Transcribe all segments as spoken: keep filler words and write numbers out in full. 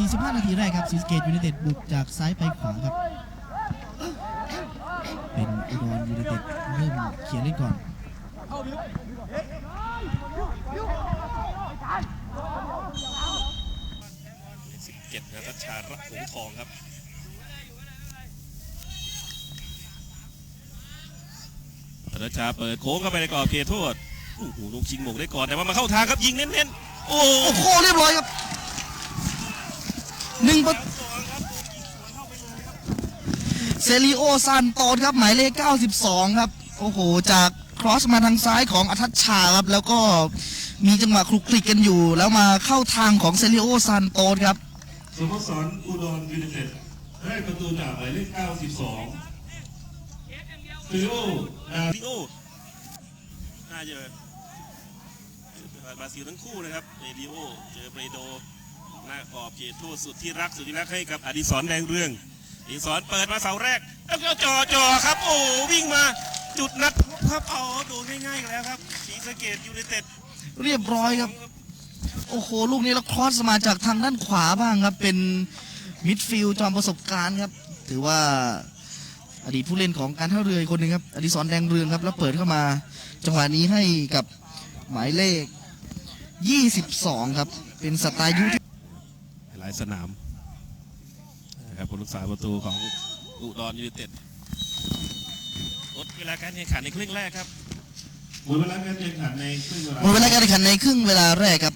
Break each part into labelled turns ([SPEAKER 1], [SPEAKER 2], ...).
[SPEAKER 1] สี่สิบห้า นาทีแรกครับศรีสะเกษยูไนเต็ดบุกจากซ้ายไปขวาครับเป็นอุดรยูไนเต็ดเริ่มเขียนเล่นก่อน
[SPEAKER 2] สิบเจ็ดนะทัชชาระหงทองครับทัชชาเปิดโค้งเข้าไปในกรอบเขตโทษโอ้โหลูกชิงหมงได้ก่อนแต่ว่ามาเข้าทางครับยิงเน้นๆโอ้
[SPEAKER 1] โหเรียบร้อยครับหนึ่งประเซริโอซานโตสครับหมายเลขเก้าสิบสองครับโอ้โหจากครอสมาทางซ้ายของอัทัชชาครับแล้วก็มีจังหวะคลุกคลิกกันอยู่แล้วมาเข้าทางของเซริโอซานโตสครับ
[SPEAKER 2] สโมสรอุดรยูไนเต็ดได้ประตูจากหมายเลขเก้าสิบสองเซริโอนาริโอน่าเยอะบราซิลทั้งคู่นะครับเอริโอเจอเปโดหน้ากรอบเขตโทษสุดที่รักสุดที่รักให้กับอดิศรแดงเรืองอดิศรเปิดมาเสาแรกแล้วก็จ่อจ่อครับโอ้วิ่งมาจุดนัดครับเอาโดนง่ายๆกันแล้วครับศรีสะเกษยูไนเต็ด
[SPEAKER 1] เรียบร้อยครับโอ้โหลูกนี้แล้วครอสมาจากทางด้านขวาบ้างครับเป็นมิดฟิลด์จอมประสบการณ์ครับถือว่าอดีตผู้เล่นของการท่าเรือคนหนึ่งครับอดิศรแดงเรืองครับแล้วเปิดเข้ามาจังหวะนี้ให้กับหมายเลขยี่สิบสองครับเป็นสไตล์ยุทธ
[SPEAKER 2] หลายสนามนะครับผู้รักษาประตูของอุดรยูไนเต็ดลดเวลาการแข่งขันในครึ่งแรกครับหมดเวลาการแข่งขันในครึ่งเวลา
[SPEAKER 1] หมดเวลาการแข่งขันในครึ่งเวลาแรกครับ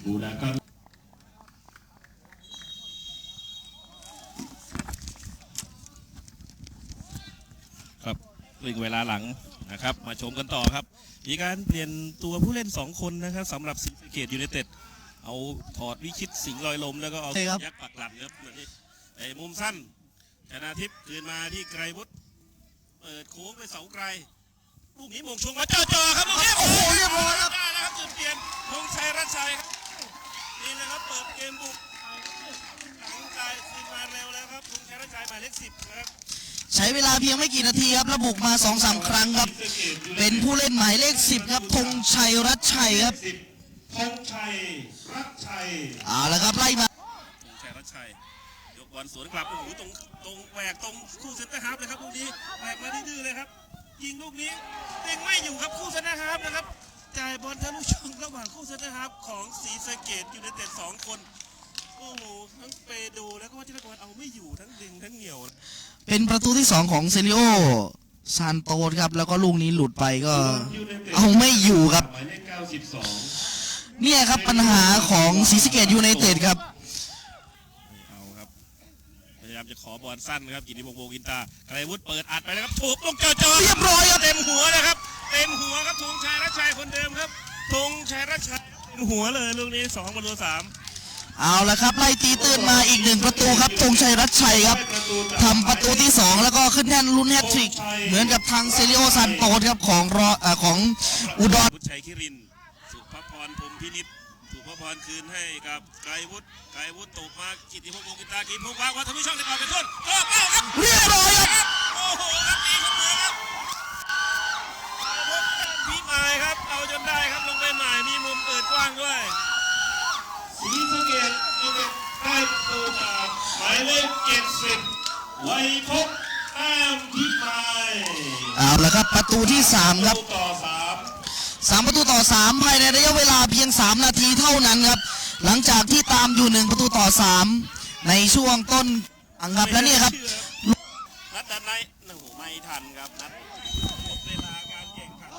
[SPEAKER 2] ครับครึ่งเวลาหลังนะครับมาชมกันต่อครับมีการเปลี่ยนตัวผู้เล่นสองคนนะครับสำหรับศรีสะเกษยูไนเต็ดเอาถอดวิชิตสิงห์ลอยลมแล้วก็เอายักษ์ปักหลังครับไอ้มุมสั้นชนะทิพย์คืนมาที่ไกรวุฒิเปิดโค้งไปเสาไกลลูกนี้มงชงมาจ่อจ่อครับลูกนี้โอ้โหเรียบร้อยครับได้นะครับจุดเปลี่ยนธงชัยรัชชัยครับนี่นะครับเปิดเกมบุกธงชัยคืนมาเร็วแล้วครับธงชัยรัชชัยหมายเลขสิบนะครับ
[SPEAKER 1] ใช้เวลาเพียงไม่กี่นาทีครับระบุกมา สองสาม ครั้งครับเป็นผู้เล่นหมายเลขสิบครับธงชัยรัชชัยครับ
[SPEAKER 2] ธงชัยรัชชัย
[SPEAKER 1] เอาละครับไล่มา
[SPEAKER 2] ธงชัยรัชชัยยกบอลสวนกลับโอ้โหตรงตรงแหวกตรงคู่เซนเตอร์ฮาล์ฟเลยครับลูกนี้แหวกมาดื้อเลยครับยิงลูกนี้เต็งไม่อยู่ครับคู่เซนเตอร์ฮาล์ฟนะครับจ่ายบอลทะลุช่องระหว่างคู่เซนเตอร์ฮาล์ฟของศรีสะเกษยูไนเต็ดสองคนโอ้โหทั้งเปโดแล้วก็วัชิรกรเอาไม่อยู่ทั้งดึงทั้งเหนี่ยว
[SPEAKER 1] เป็นประตูที่สองของเซริโอซานโตสครับแล้วก็ลูกนี้หลุดไปก็เอาไม่อยู่ครับเนี่ยครับปัญหาของศรีสะเกษยูไนเต็ดครับ
[SPEAKER 2] เอาครับพยายามจะขอบอลสั้นครับกิติพงษ์ วงศ์อินตาไกรวุฒิเปิดอัดไปแล้วครับถูกลงจ่อๆ
[SPEAKER 1] เรียบร้อยครับ
[SPEAKER 2] เต็มหัวนะครับเต็มหัวครับธงชัยรัชชัยคนเดิมครับธงชัยรัชชัยเต็มหัวเลยลูกนี้สองประตูสาม
[SPEAKER 1] เอาละครับไล่ตีตื้นมาอีกหนึ่งประตูครับธงชัยรัชชัยครับทำประตูที่สองแล้วก็ขึ้นแท่นลุ้นแฮตทริกเหมือนกับทางเซริโอซานโตสครับของรอของอุดร
[SPEAKER 2] บุญชัยคิรินสุภพรพรหมพินิจสุภพรคืนให้กับไกรวุฒิไกรวุฒิตกมากิติพงษ์ วงศ์อินตากิติพงษ์วางวัฒนุช่องในกรอบเป็นต้นโอ้เป้าครับ
[SPEAKER 1] เรียบร้อยครับ
[SPEAKER 2] โอ้โหครับตีเข้ามือครับพี่หมายครับเอาจนได้ครับลงไปหมายมีมุมเปิดกว้างด้วยศรีสะเกษได้ประตูจากหมายเลขเจ็ดสิบไวยพจน์แต้มพิมาย
[SPEAKER 1] เอาละครับประตูที่สามครับ
[SPEAKER 2] ต่อสาม
[SPEAKER 1] สามประตูต่อสามภายในระยะเวลาเพียงสามนาทีเท่านั้นครับหลังจากที่ตามอยู่หนึ่งประตูต่อสามในช่วงต้นอังครับแล้วเนี่ยครับ
[SPEAKER 2] นัดดันในโอ้โหไม่ทันครับนัด